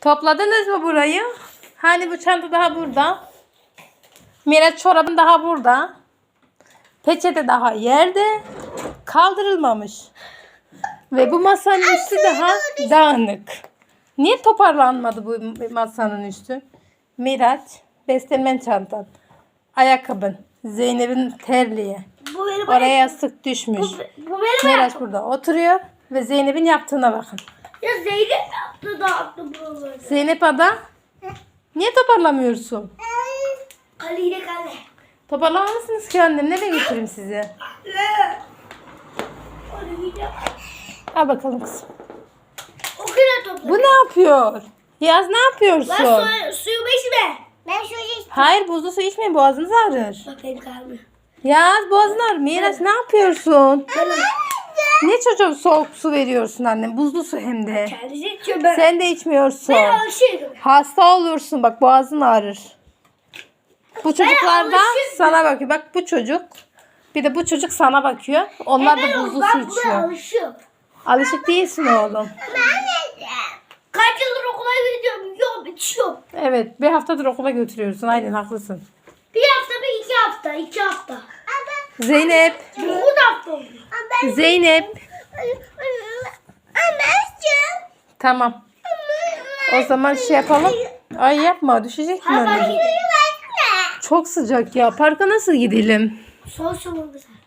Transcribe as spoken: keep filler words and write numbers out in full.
Topladınız mı burayı? Hani bu çanta daha burada. Miraç çorabın daha burada. Peçete daha yerde. Kaldırılmamış. Ve bu masanın üstü daha dağınık. Niye toparlanmadı bu masanın üstü? Miraç, beslenmen çantan, ayakkabın, Zeynep'in terliği. Bu benim Oraya yastık düşmüş. Bu, bu benim Miraç ayakkabım. burada oturuyor ve Zeynep'in yaptığına bakın. Ya Zeynep yaptı dağıttı buraları. Zeynep ada, niye toparlamıyorsun? Kale yine kale. Toparlamalısınız ki annem. Nereye götüreyim sizi? Kale yine. Al bakalım kızım. O kadar topla. Bu ne yapıyor? Yaz ne yapıyorsun? Lan su, suyumu içme. Ben suyu içtim. Hayır, buzlu su içmeyin, boğazınız ağrır. Bak benim kalbim. Yaz, boğazın ağrır. Miraç ne yapıyorsun? Ne çocuğa soğuk su veriyorsun annem? Buzlu su hem de. Kendisi içiyor ben. Sen de içmiyorsun. Ben alışıyorum. Hasta olursun, bak boğazın ağrır. Bu çocuklar da alışıyorum. sana bakıyor. Bak bu çocuk. Bir de bu çocuk sana bakıyor. Onlar da Ben buzlu su ben buna içiyor. alışıyorum. Alışık değilsin oğlum. Kaç yıldır okula gidiyorum. Yok içiyorum. Evet, bir haftadır okula götürüyorsun. Aynen haklısın. Bir hafta bir iki hafta. iki hafta. Zeynep. dokuz hafta oldu. Zeynep. Tamam. O zaman şey yapalım. Ay yapma, düşecek mi Hadi anne? gidelim. Çok sıcak ya. Parka nasıl gidelim? Son sonunda.